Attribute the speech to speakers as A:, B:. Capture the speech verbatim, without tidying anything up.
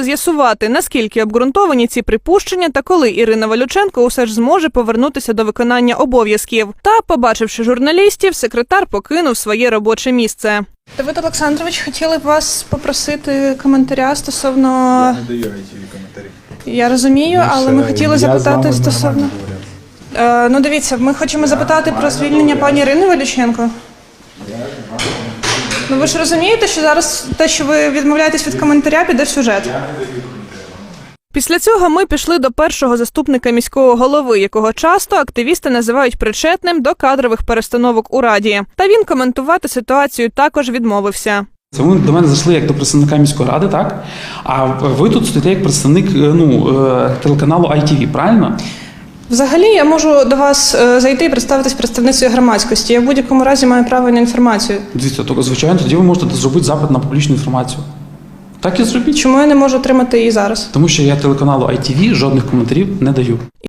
A: вирішили з'ясувати, наскільки обґрунтовані ці припущення та коли Ірина Валюченко усе ж зможе повернутися до виконання обов'язків. Та, побачивши журналістів, секретар покинув своє робоче місце. Давид Олександрович, хотіли б вас попросити коментаря стосовно...
B: Я не даю ай ті ві коментарі.
A: Я розумію, але ми хотіли запитати стосовно... Е, ну дивіться, ми хочемо запитати про звільнення пані Ірини Валюченко. Ну ви ж розумієте, що зараз те, що ви відмовляєтесь від коментаря, піде в сюжет? Після цього ми пішли до першого заступника міського голови, якого часто активісти називають причетним до кадрових перестановок у Раді. Та він коментувати ситуацію також відмовився.
C: Це ви до мене зайшли як до представника міської ради, так? А ви тут стоїте як представник ну, телеканалу ай ті ві, правильно?
A: Взагалі, я можу до вас зайти і представитись представницею громадськості. Я в будь-якому разі маю право на інформацію.
C: Дивіться, то, звичайно, тоді ви можете зробити запит на публічну інформацію. Так і зробіть.
A: Чому я не можу отримати її зараз?
C: Тому що я телеканалу ай ті ві жодних коментарів не даю.